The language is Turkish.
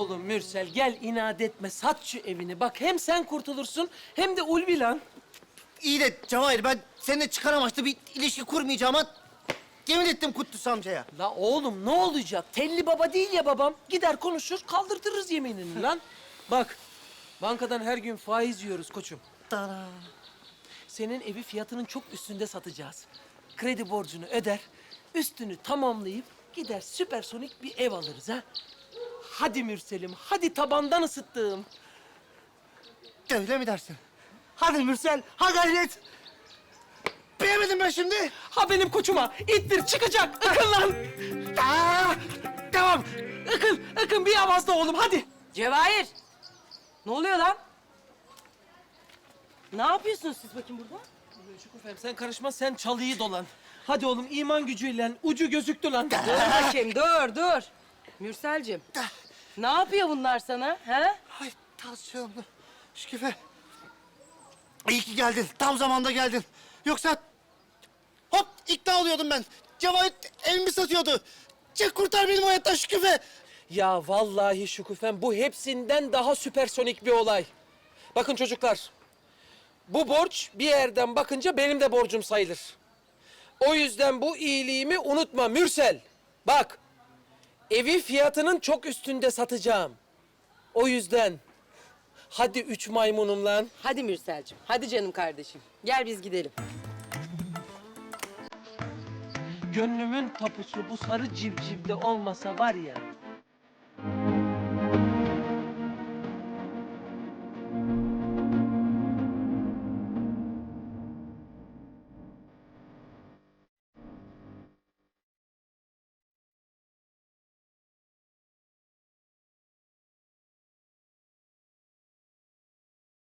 Oğlum Mürsel gel inat etme. Sat şu evini. Bak hem sen kurtulursun hem de Ulvi lan. İyi de Cevahir, ben seninle çıkar amaçlı bir ilişki kurmayacağıma yemin ettim Kutlusu amcaya. La oğlum ne olacak? Telli baba değil ya babam. Gider konuşur kaldırtırız yeminini lan. Bak bankadan her gün faiz yiyoruz koçum. Tara. Senin evi fiyatının çok üstünde satacağız. Kredi borcunu öder, üstünü tamamlayıp gider süpersonik bir ev alırız ha. Hadi Mürsel'im, hadi tabandan ısıttığım. Öyle mi dersin? Hadi Mürsel, ha gayret. Beğenmedim ben şimdi. Ha benim koçuma, ittir çıkacak, ıkın lan. Tamam. Ikın bir avazda oğlum hadi. Cevahir! Ne oluyor lan? Ne yapıyorsunuz siz bakayım burada? Şükufem sen karışma, sen çalıyı dolan. Hadi oğlum iman gücüyle ucu gözüktü lan. Dur bakayım, dur. Mürselcim, ne yapıyor bunlar sana, ha? Ay tansiyonlu. Şükrü. İyi ki geldin. Tam zamanda geldin. Yoksa hop ikna oluyordum ben. Cevahir evimi satıyordu. Çık kurtar benim hayattan Şükrü. Ya vallahi Şükufem bu hepsinden daha süpersonik bir olay. Bakın çocuklar, bu borç bir yerden bakınca benim de borcum sayılır. O yüzden bu iyiliğimi unutma Mürsel. Bak, evi fiyatının çok üstünde satacağım. O yüzden hadi 3 maymunum lan. Hadi Mürselcim, hadi canım kardeşim. Gel biz gidelim. Gönlümün tapusu bu sarı civcivde olmasa var ya,